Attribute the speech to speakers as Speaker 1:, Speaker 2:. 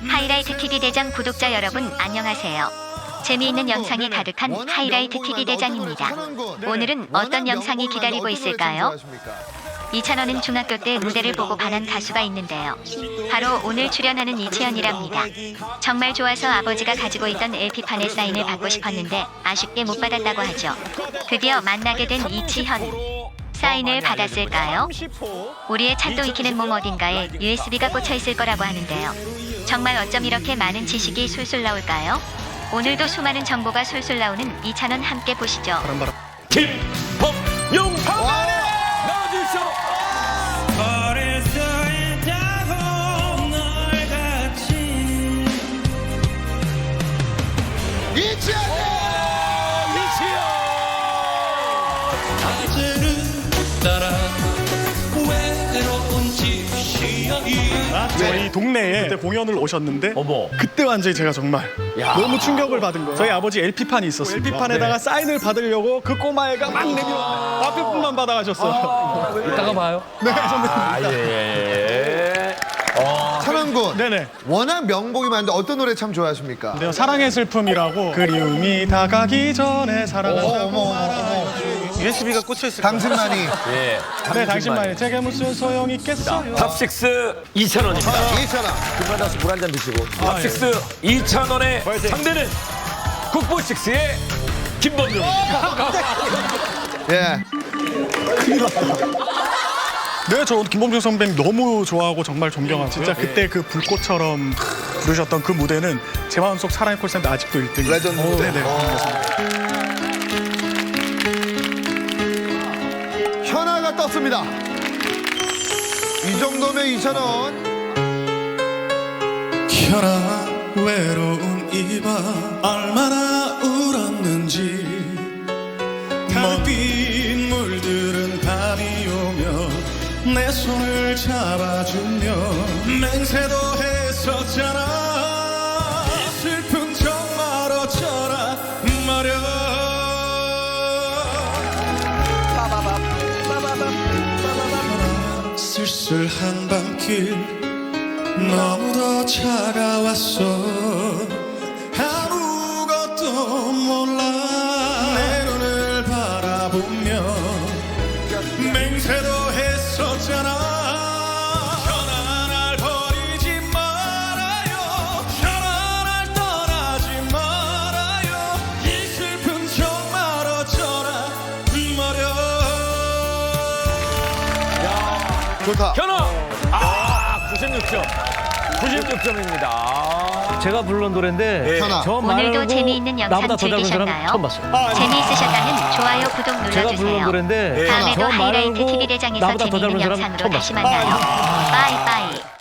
Speaker 1: 하이라이트 TV 대장 구독자 여러분 안녕하세요. 재미있는 영상이 가득한 하이라이트 TV 대장입니다. 오늘은 어떤 영상이 기다리고 있을까요? 이찬원은 중학교 때 무대를 보고 반한 가수가 있는데요. 바로 오늘 출연하는 이채연이랍니다. 정말 좋아서 아버지가 가지고 있던 LP판의 사인을 받고 싶었는데 아쉽게 못 받았다고 하죠. 드디어 만나게 된 이치현. 사인을 받았을까요? 우리의 찬도 익히는 몸 어딘가에 USB가 꽂혀 있을 거라고 하는데요. 정말 어쩜 이렇게 많은 지식이 술술 나올까요? 오늘도 수많은 정보가 술술 나오는 이찬원 함께 보시죠.
Speaker 2: 김범용 나와주시죠.
Speaker 3: 저희 동네에 그때 공연을 오셨는데
Speaker 2: 어머.
Speaker 3: 그때 완전히 제가 정말
Speaker 2: 야.
Speaker 3: 너무 충격을 받은 거예요. 저희 아버지 LP판이 있었습니다. LP판에다가 사인을 받으려고 그 꼬마애가 막 내밀어 앞에 분만 받아가셨어요.
Speaker 2: 이따가 봐요.
Speaker 3: 네, 선배님.
Speaker 2: 예.
Speaker 4: 찬원군,
Speaker 3: 네네.
Speaker 4: 워낙 명곡이 많은데 어떤 노래 참 좋아하십니까?
Speaker 3: 네, 사랑의 슬픔이라고 그리움이 다가기 전에 사랑한다고
Speaker 4: USB가 꽂혀있을 당신만이
Speaker 2: 예.
Speaker 3: 네, 당신만이 제게 무슨 소용이 있겠어요.
Speaker 2: 탑식스 이찬원입니다.
Speaker 4: 이찬원.
Speaker 2: 금바다수 물 한 잔 드시고. 탑식스 이찬원의 상대는 국보식스의 김범용.
Speaker 4: 예.
Speaker 3: 네, 저 김범중 선배님 너무 좋아하고 정말 존경하고 진짜 그때 그 불꽃처럼 부르셨던 그 무대는 제 마음속 사랑의 콜센터 아직도 1등.
Speaker 4: 레전드 무대.
Speaker 3: 네네.
Speaker 4: 현아가 떴습니다. 이 정도면 이찬원.
Speaker 5: 현아 외로운 이 밤 얼마나 울었는지 달빛 물들은 밤이 오면 내 손을 잡아주며 맹세도 했었잖아. 이 슬픔 정말 어쩌라 말야. 쓸쓸한 밤길 너무도 차가웠어. 아무것도 몰라 내 눈을 바라보며 맹세도 했었잖아. 현아 날 버리지 말아요. 현아 날 떠나지 말아요. 이 슬픈 정말 어쩌라 말야.
Speaker 4: 좋다.
Speaker 2: 현아. 96점. 96점입니다.
Speaker 6: 제가 부른 노래인데
Speaker 4: 현아.
Speaker 6: 저
Speaker 1: 오늘도
Speaker 6: 말고
Speaker 1: 재미있는 영상
Speaker 6: 나보다 더 잘 부르는 사람
Speaker 1: 즐기셨나요?
Speaker 6: 처음 봤어요.
Speaker 1: 재미있으셨다면 좋아요, 구독
Speaker 6: 제가 부른
Speaker 1: 눌러주세요.
Speaker 6: 노래인데
Speaker 1: 다음에도
Speaker 6: 저
Speaker 1: 하이라이트
Speaker 6: 말고
Speaker 1: TV 대장에서
Speaker 6: 나보다 더 잘
Speaker 1: 재미있는
Speaker 6: 부르는 사람
Speaker 1: 영상으로
Speaker 6: 처음
Speaker 1: 다시
Speaker 6: 봤어요.
Speaker 1: 만나요. 빠이빠이.